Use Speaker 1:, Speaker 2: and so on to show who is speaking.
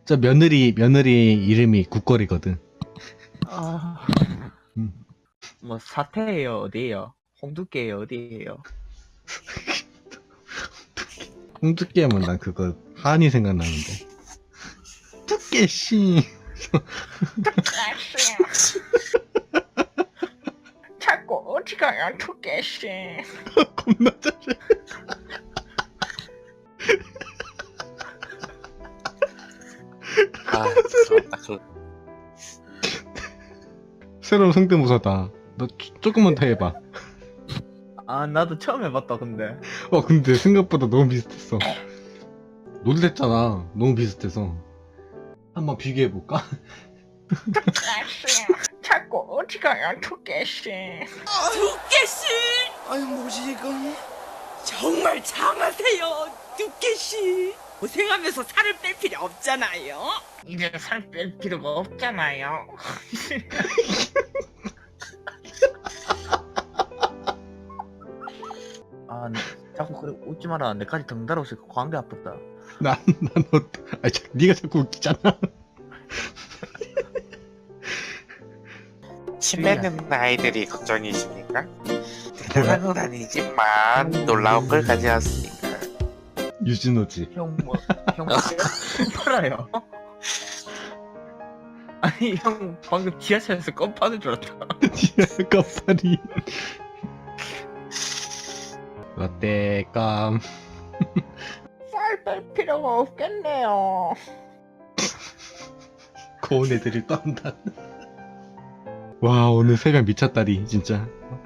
Speaker 1: 저 며느리 이름이 국거리거든.
Speaker 2: 아,
Speaker 1: 음.
Speaker 2: 뭐 사태예요, 어디예요? 홍두깨예요, 어디예요?
Speaker 1: 홍두깨 하면 난 그거 한이 생각나는데. 두께씨.
Speaker 2: 두께씨. 자꾸 어디 가요, 두께씨?
Speaker 1: 겁나 잘해.
Speaker 3: 아, 그렇다.
Speaker 1: 새로운 성대모사다. 너 조금만 더 해봐.
Speaker 2: 아, 나도 처음 해봤다, 근데.
Speaker 1: 근데 생각보다 너무 비슷했어. 놀랬잖아. 너무 비슷해서. 한번 비교해볼까?
Speaker 2: 두께씨. 자꾸 어디 가요, 두께씨?
Speaker 4: 두께씨! 아유 뭐지 이건? 정말 장하세요, 두께씨. 고생하면서 살을 뺄 필요 없잖아요.
Speaker 2: 이제 살 뺄 필요가 없잖아요. 아, 자꾸 그래 웃지 마라. 내까지 덩달아 있으니까 광대 아프다.
Speaker 1: 네가 자꾸 웃기잖아.
Speaker 3: 침 뱉는 아이들이 걱정이십니까? 대단한 건 아니지만 놀라운 걸 가져왔으니까.
Speaker 1: 유진호지.
Speaker 2: 형 팔아요. 아니 형 방금 지하철에서 껌 파는 줄 알았다.
Speaker 1: 깜파리. 라떼 깜.
Speaker 2: 쌀 뺄 필요가 없겠네요.
Speaker 1: 고운 애들이 또 한다. 와, 오늘 새벽 미쳤다리 진짜.